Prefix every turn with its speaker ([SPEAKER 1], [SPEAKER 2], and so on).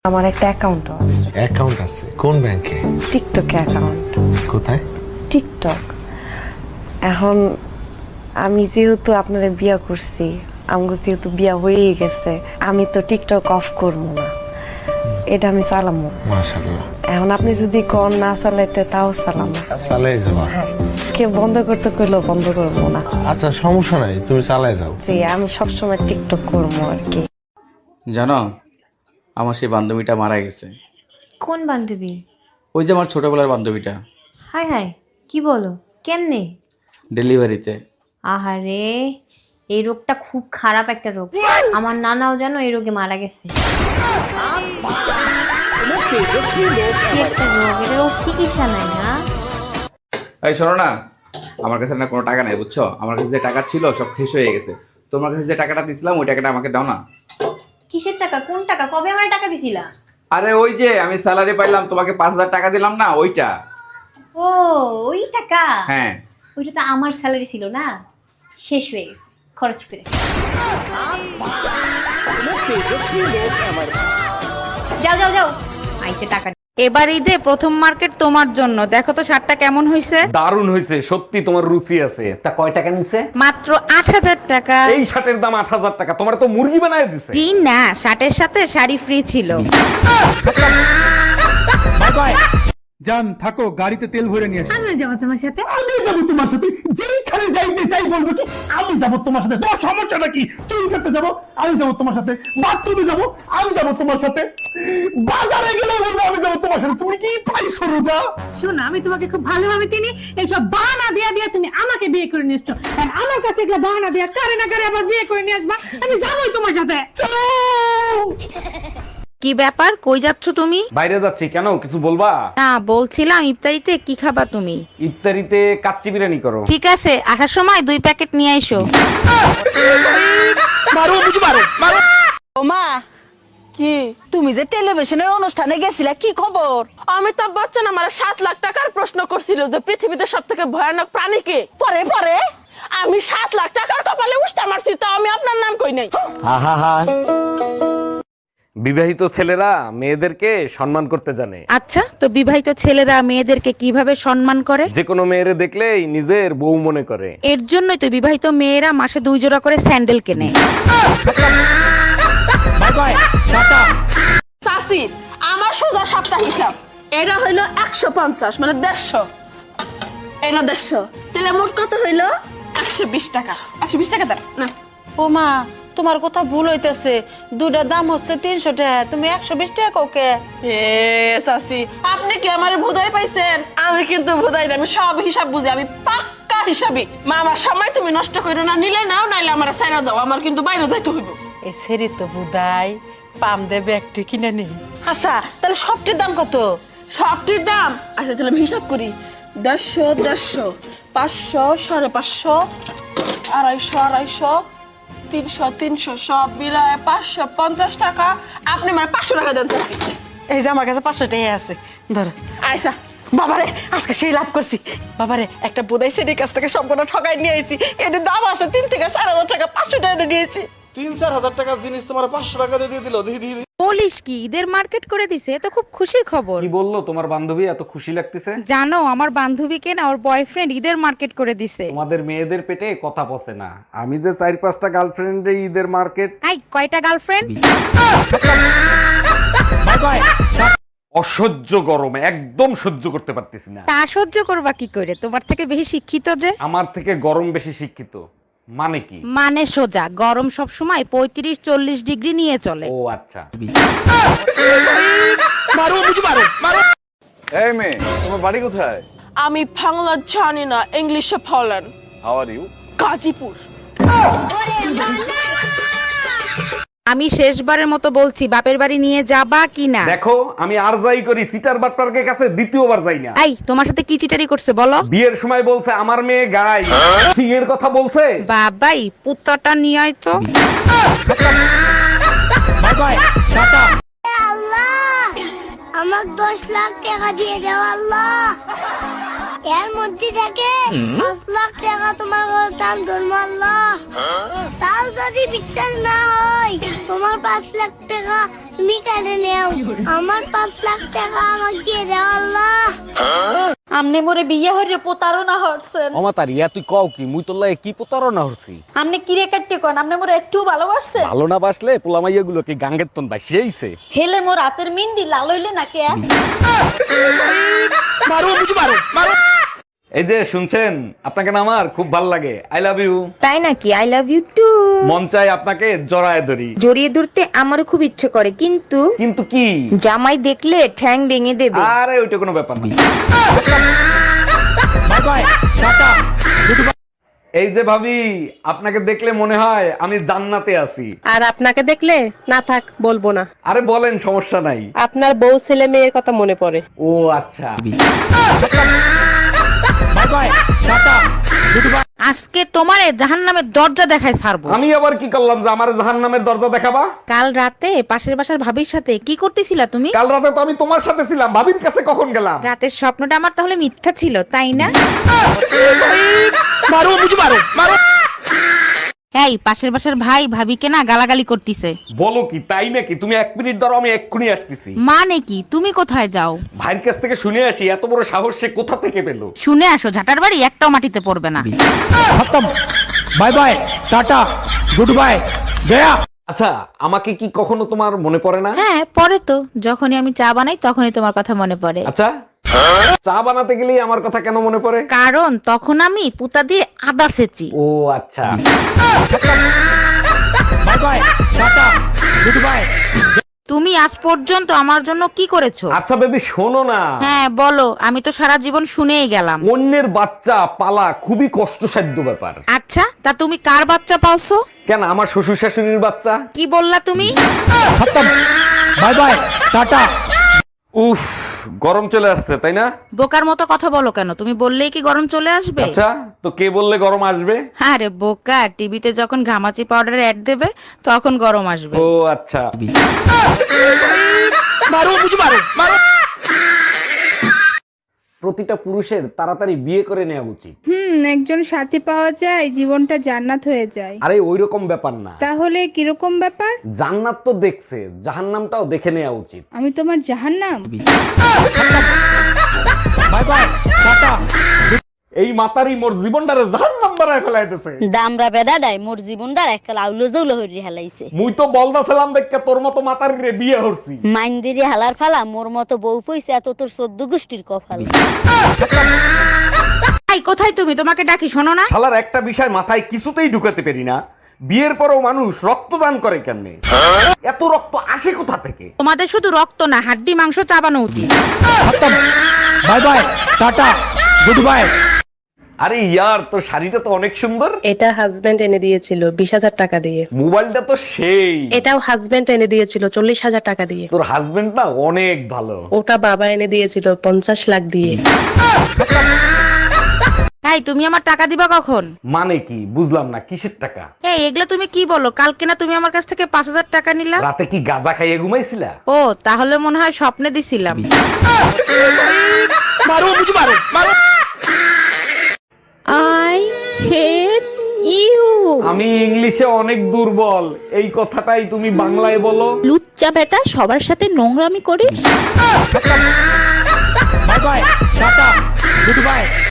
[SPEAKER 1] আমার একটা অ্যাকাউন্টও আছে।
[SPEAKER 2] অ্যাকাউন্ট আছে? কোন ব্যাংকে?
[SPEAKER 1] টিকটকে অ্যাকাউন্ট।
[SPEAKER 2] কোথায়?
[SPEAKER 1] টিকটক। এখন আমি যেহেতু আপনারা বিয়া করছি, আমগো যেহেতু বিয়া হয়েই গেছে, আমি তো টিকটক অফ করবো না, এটা আমি চালামো।
[SPEAKER 2] মাশাআল্লাহ।
[SPEAKER 1] এখন আপনি যদি কোন না চালাইতে তাও চালামো।
[SPEAKER 2] চালাই যাবা?
[SPEAKER 1] হ্যাঁ, কে বন্ধ করতে কইলেও বন্ধ করবো না।
[SPEAKER 2] আচ্ছা সমস্যা নাই, তুমি চালাই যাও।
[SPEAKER 1] জি, আমি সবসময় টিকটক করবো আর কি।
[SPEAKER 3] জানো, আমার সেই বান্ধবীটা মারা গেছে।
[SPEAKER 4] কোন বান্ধবী?
[SPEAKER 3] ওই যে আমার ছোটবেলার বান্ধবীটা।
[SPEAKER 4] হায় হায়, কি বলো? কেমনে?
[SPEAKER 3] ডেলিভারিতে।
[SPEAKER 4] আহারে, এই রোগটা খুব খারাপ একটা রোগ। আমার নানাও জানো এই রোগে মারা গেছে। কি একটা রোগ, এটার চিকিৎসা নাই না?
[SPEAKER 3] এই শোনো না, আমার কাছে না কোনো টাকা নাই, বুঝছো? আমার কাছে যে টাকা ছিল সব শেষ হয়ে গেছে। তোমার কাছে যে টাকাটা দিছিলাম ওই টাকাটা আমাকে দাও না।
[SPEAKER 4] কিসের টাকা? কোন টাকা? কবে আমার টাকা দিছিলা?
[SPEAKER 3] আরে ওই যে আমি স্যালারি পাইলাম, তোমাকে 5,000 টাকা দিলাম না, ওইটা।
[SPEAKER 4] ও, ওই টাকা?
[SPEAKER 3] হ্যাঁ।
[SPEAKER 4] ওইটা তো আমার স্যালারি ছিল না, শেষ হয়ে গেছে খরচ করে। যাও যাও যাও, আইছে টাকা।
[SPEAKER 5] এবার ঈদে প্রথম মার্কেট তোমার জন্য, দেখো তো শার্টটা কেমন হয়েছে।
[SPEAKER 6] দারুণ হয়েছে, সত্যি তোমার রুচি আছে। তা কয় টাকা নিছে?
[SPEAKER 5] মাত্র 8,000 টাকা।
[SPEAKER 6] এই শার্টের দাম 8,000 টাকা। তোমার তো মুরগি বানায় দিছে।
[SPEAKER 5] জি না, শার্টের সাথে শাড়ি ফ্রি ছিল।
[SPEAKER 7] জান থাকো, গাড়িতে তেল ভরে নিয়ে আসো।
[SPEAKER 8] আমি যাবো তোমার সাথে।
[SPEAKER 7] আমি যাবো তোমার সাথে, যেইখানে যাইতে চাই বলবো কি আমি যাবো তোমার সাথে। তোমার সমস্যাটা কি? চুল কাটতে যাবো আমি যাবো তোমার সাথে, বাথরুমে যাবো আমি যাবো তোমার সাথে, বাজারে গেলে বলবো আমি যাবো তোমার সাথে। তুমি কি পাইছো রোজা?
[SPEAKER 8] শোনো, আমি তোমাকে খুব ভালোভাবে চিনি। এইসব বাহানা দিয়া দিয়া তুমি আমাকে বিয়ে করে নিয়ে এসছো, আর আমার কাছে এগুলো বাহানা দিয়া কারে না কারে আবার বিয়ে করে নিয়ে আসবা। আমি যাবোই তোমার সাথে।
[SPEAKER 7] চলো।
[SPEAKER 5] কি ব্যাপার, কই যাচ্ছ তুমি?
[SPEAKER 6] বাইরে যাচ্ছি। কেন, কিছু বলবা?
[SPEAKER 5] না, বলছিলাম ইফতারিতে কি খাবা তুমি?
[SPEAKER 6] ইফতারিতে কাচ্চি বিরিয়ানি করো।
[SPEAKER 5] ঠিক আছে, আসার সময় 2 প্যাকেট নিয়ে আইসো।
[SPEAKER 9] মা, কি তুমি যে টেলিভিশনের অনুষ্ঠানে গেছিলা, কি খবর?
[SPEAKER 10] অমিতাভ বচ্চন আমার 7 লাখ টাকার প্রশ্ন করছিল যে পৃথিবীতে সব থেকে ভয়ানক প্রাণী কে।
[SPEAKER 9] পরে পরে
[SPEAKER 10] আমি 7 লাখ টাকার কপালে উষ্টা মারছি, তো আমি আপনার নাম কই নাই।
[SPEAKER 6] বিবাহিত ছেলেরা মেয়েদেরকে সম্মান করতে জানে।
[SPEAKER 5] আচ্ছা, তো বিবাহিত ছেলেরা মেয়েদেরকে কিভাবে সম্মান করে?
[SPEAKER 6] যে কোনো মেয়েরে দেখলেই নিজের বউ মনে করে।
[SPEAKER 5] এর জন্যই তো বিবাহিত মেয়েরা মাসে 2 জোড়া করে স্যান্ডেল কেনে।
[SPEAKER 10] চাচি, আমার সোজা সপ্তাহ হিসাব এটা হইলো 150, মানে 150, এটা 150, তাহলে মোট কত হইলো? 120 টাকা। 120 টাকা দাও না।
[SPEAKER 9] ও মা, তোমার কথা ভুল হইতেছে। দুটার দাম হচ্ছে 300 টাকা, তুমি 120 টাকা কাউকে।
[SPEAKER 10] এ চাচি, আপনি কি আমার ভুদাই পাইছেন? আমি কিন্তু ভুদাই না, আমি সব হিসাব বুঝি, আমি পাক্কা হিসাবই। মা, আমার সময় তুমি নষ্ট করো না, নিলে নাও, নাইলে আমার সাইরা দাও, আমার কিন্তু বাইরে যাইতে হইব।
[SPEAKER 9] এই সেরি তো বুদাই পাম দেবে একটু কিনে নেই। আচ্ছা, তাহলে সবটির দাম কত?
[SPEAKER 10] সবটির দাম আচ্ছা তাহলে আমি হিসাব করি। 150, 150, 500, 550, 250, 250, 300, 300, সব মিলায় 550 টাকা। আপনি আমার 500 টাকা দেন চাচি।
[SPEAKER 9] এই যে আমার কাছে 500 টাকা আছে, ধরো।
[SPEAKER 10] আচ্ছা
[SPEAKER 9] বাবারে, আজকে সেই লাভ করছি। বাবারে, একটা বুদাই সেরির কাছ থেকে সম্পূর্ণ ঠকাই নিয়ে আইছি। এটার দাম আছে 3 থেকে 4,000 টাকা, 500 টাকা দিয়ে নিয়েছি।
[SPEAKER 7] 3-4 হাজার টাকার জিনিস তোমার 500 টাকা দিয়ে দিল। দিদি
[SPEAKER 5] বলিস কি, ঈদের মার্কেট করে দিছে? তো খুব খুশির খবর।
[SPEAKER 6] কি বললো তোমার বান্ধবী, এত খুশি লাগতেছে?
[SPEAKER 5] জানো, আমার বান্ধবীকে না ওর বয়ফ্রেন্ড ঈদের মার্কেট করে দিছে।
[SPEAKER 6] তোমাদের মেয়েদের পেটে কথা পচে না। আমি যে 4-5টা গার্লফ্রেন্ডে ঈদের মার্কেট।
[SPEAKER 5] আই, কয়টা গার্লফ্রেন্ড?
[SPEAKER 6] অসহ্য গরম, একদম সহ্য করতে পারতেছি না।
[SPEAKER 5] তা সহ্য করবা কি করে? তোমার থেকে বেশি শিক্ষিত যে।
[SPEAKER 6] আমার থেকে গরম বেশি শিক্ষিত মানে কি?
[SPEAKER 5] মানে সোজা, গরম সব সময় 35-40 ডিগ্রি নিয়ে চলে।
[SPEAKER 6] ও আচ্ছা।
[SPEAKER 2] এই মেয়ে, তোমার বাড়ি কোথায়?
[SPEAKER 10] আমি বাংলা জানি না, ইংলিশে বলেন।
[SPEAKER 2] How are you?
[SPEAKER 10] গাজীপুর।
[SPEAKER 5] আমি শেষবারের মতো বলছি, বাপের বাড়ি নিয়ে যাবা কি না?
[SPEAKER 6] দেখো, আমি আর যাই করি সিটার বাটপার্কের কাছে দ্বিতীয়বার যাই না।
[SPEAKER 5] এই, তোমার সাথে কি চিটারি করছে বলো?
[SPEAKER 6] বিয়ের সময় বলছে আমার মেয়ে গায়, সিংহের কথা বলছে।
[SPEAKER 5] বাবাই, পুত্রটা নিয়ে আয় তো।
[SPEAKER 11] আমার 10 লাখ টাকা দিয়ে দাও আল্লাহ। এর মধ্যে থেকে 5 লাখ টাকা তোমার দান ধর্ম আল্লাহ। তাও যদি বিশ্বাস না হয়, তোমার 5 লাখ টাকা তুমি কেটে নেও আমার 5 লাখ টাকা আমাকে দিয়ে দাও আল্লাহ।
[SPEAKER 9] আমনে মোরে বিয়ে হইরে প্রতারণা হরছেন।
[SPEAKER 6] অমাতারি ইয়া তুই কও কি মুই তোর লাগে কি প্রতারণা হরছি?
[SPEAKER 9] আমনে কিরে কাটতে কোন আমনে মোরে একটু ভালোবাসছেন?
[SPEAKER 6] ভালো না বাসলে পোলামাইয়া গুলো কি গাঙ্গের তন বাসিয়েইছে?
[SPEAKER 9] হেলে মোর হাতের মিন্দি লাল হইলে না কে?
[SPEAKER 6] এই যে শুনছেন, আপনাকে না আমার খুব ভাল লাগে। I love you.
[SPEAKER 4] তাই নাকি? I love you too.
[SPEAKER 6] মন চাই আপনাকে জড়ায় ধরি।
[SPEAKER 4] জড়িয়ে ধরতে আমারও খুব ইচ্ছে করে, কিন্তু
[SPEAKER 6] কিন্তু কি?
[SPEAKER 4] জামাই দেখলে ঠ্যাং ভেঙে দেবে।
[SPEAKER 6] আরে ওইটা কোনো ব্যাপার না। এই যে ভাবি, আপনাকে দেখলে মনে হয় আমি জান্নাতে আছি।
[SPEAKER 10] আর আপনাকে দেখলে না থাক বলবো না।
[SPEAKER 6] আরে বলেন, সমস্যা নাই।
[SPEAKER 10] আপনার বউ ছেলে মেয়ের কথা মনে পড়ে।
[SPEAKER 6] ও আচ্ছা।
[SPEAKER 5] আজকে তোমারে জাহান্নামের দরজা দেখায় ছাড়বো।
[SPEAKER 6] আমি আবার কি করলাম যে আমার জাহান্নামের দরজা দেখাবা?
[SPEAKER 5] কাল রাতে পাশের বাসার ভাবির সাথে কি করতেছিলা তুমি?
[SPEAKER 6] কাল রাতে তো আমি তোমার সাথে ছিলাম, ভাবির কাছে কখন গেলাম?
[SPEAKER 5] রাতের স্বপ্নটা আমার তাহলে মিথ্যা ছিল, তাই না? এই পাশের বাসার ভাই ভাবিকে না গালাগালি করতিছে।
[SPEAKER 6] বলো কি, তাই নাকি? তুমি 1 মিনিট ধরো, আমি এক্ষুনি আসতেছি।
[SPEAKER 5] মানে কি? তুমি কোথায় যাও?
[SPEAKER 6] ভাইয়ের কাছ থেকে শুনে আসি এত বড় সাহস সে কোথা থেকে পেলো।
[SPEAKER 5] শুনে আসো, ঝাটার বাড়ি একটাও মাটিতে পড়বে না।
[SPEAKER 7] Bye bye, tata, goodbye, গয়া।
[SPEAKER 6] আচ্ছা, আমাকে কি কখনো তোমার মনে পড়ে না?
[SPEAKER 5] হ্যাঁ পরে তো, যখনই আমি চা বানাই তখনই তোমার কথা মনে পড়ে।
[SPEAKER 6] আচ্ছা, চা বানাতে গেলেই আমার কথা কেন মনে পড়ে?
[SPEAKER 5] কারণ তখন আমি পুতা দিয়ে আদা সেচি।
[SPEAKER 6] ও আচ্ছা।
[SPEAKER 7] Bye bye, tata, goodbye.
[SPEAKER 5] তুমি আজ পর্যন্ত আমার জন্য কি করেছো?
[SPEAKER 6] আচ্ছা বেবি, শোনো না।
[SPEAKER 5] হ্যাঁ বলো, আমি তো সারা জীবন শুনেই গেলাম।
[SPEAKER 6] অন্যের বাচ্চা পালা খুবই কষ্টসাধ্য ব্যাপার।
[SPEAKER 5] আচ্ছা, তা তুমি কার বাচ্চা পালছো?
[SPEAKER 6] কেন, আমার শ্বশুর শাশুড়ির বাচ্চা।
[SPEAKER 5] কি বললা তুমি?
[SPEAKER 7] Bye bye, tata.
[SPEAKER 6] উফ, গরম চলে আসছে তাই না?
[SPEAKER 5] বোকার মতো কথা বলো কেন? তুমি বললেই কি গরম চলে আসবে?
[SPEAKER 6] আচ্ছা, তো কে বললে গরম আসবে?
[SPEAKER 5] আরে বোকা, টিভিতে যখন ঘামাচি পাউডারের অ্যাড দেবে তখন গরম আসবে।
[SPEAKER 6] ও আচ্ছা। প্রতিটা পুরুষের তাড়াতাড়ি বিয়ে করে নেওয়া উচিত।
[SPEAKER 8] একজন সাথী পাওয়া যায় জীবনটা জান্নাত হয়ে যায়।
[SPEAKER 6] আরে ওইরকম ব্যাপার না।
[SPEAKER 8] তাহলে কিরকম ব্যাপার?
[SPEAKER 6] জান্নাত তো দেখছে, জাহান্নামটাও দেখে নেওয়া উচিত।
[SPEAKER 8] আমি তোমার জাহান্নাম?
[SPEAKER 7] Bye bye, tata.
[SPEAKER 6] এই মাতারি মোর জীবনটারে জাহান্নাম বানায় ফেলাইতেছে।
[SPEAKER 9] দামরা বেদাডাই মোর জীবনটার একটা লাউলো জৌলো হইরে হেলাইছে।
[SPEAKER 6] মুই তো বলদা ছিলাম দেখে তোর মতো মাতার রে বিয়ে হরছি।
[SPEAKER 9] মাইন্দিরি হালার ফালা মোর মতো বউ পয়সা এত তোর 14 গোষ্ঠীর কপাল।
[SPEAKER 5] এই কোথায় তুমি? তোমাকে ডাকি, শোনো না?
[SPEAKER 6] শালার একটা বিষয় মাথায় কিছুতেই ঢুকাতে পারি না, বিয়ের পরও মানুষ রক্তদান করে কেন? এত রক্ত আসে কোথা থেকে?
[SPEAKER 5] তোমাদের শুধু রক্ত না, হাড্ডি মাংস চাবানো উচিত।
[SPEAKER 7] Bye bye, tata, goodbye.
[SPEAKER 6] আরে ইয়ার, তোর শাড়িটা তো অনেক সুন্দর।
[SPEAKER 10] এটা হাজবেন্ড এনে দিয়েছিল 20,000 টাকা দিয়ে।
[SPEAKER 6] মোবাইলটা তো সেই।
[SPEAKER 10] এটাও হাজবেন্ড এনে দিয়েছিল 40,000 টাকা দিয়ে।
[SPEAKER 6] তোর হাজবেন্ড না অনেক ভালো।
[SPEAKER 10] ওটা বাবা এনে দিয়েছিল 50 লাখ দিয়ে।
[SPEAKER 5] এই তুমি আমার টাকা দিবা কখন?
[SPEAKER 6] মানে কি বুঝলাম না, কিসের টাকা?
[SPEAKER 5] এই এগুলা তুমি কি বলো? কালকে না তুমি আমার কাছ থেকে 5,000 টাকা নিলা?
[SPEAKER 6] রাতে কি গাঁজা খাইয়ে ঘুমাইছিলা?
[SPEAKER 5] ও তাহলে মনে হয় স্বপ্নে দিছিলাম।
[SPEAKER 8] I hate you.
[SPEAKER 6] আমি ইংলিশে অনেক দুর্বল, এই কথাটাই তুমি বাংলায় বলো।
[SPEAKER 8] লুচ্চা বেটা, সবার সাথে নোংরামি করিস।
[SPEAKER 7] Bye bye, tata, good bye.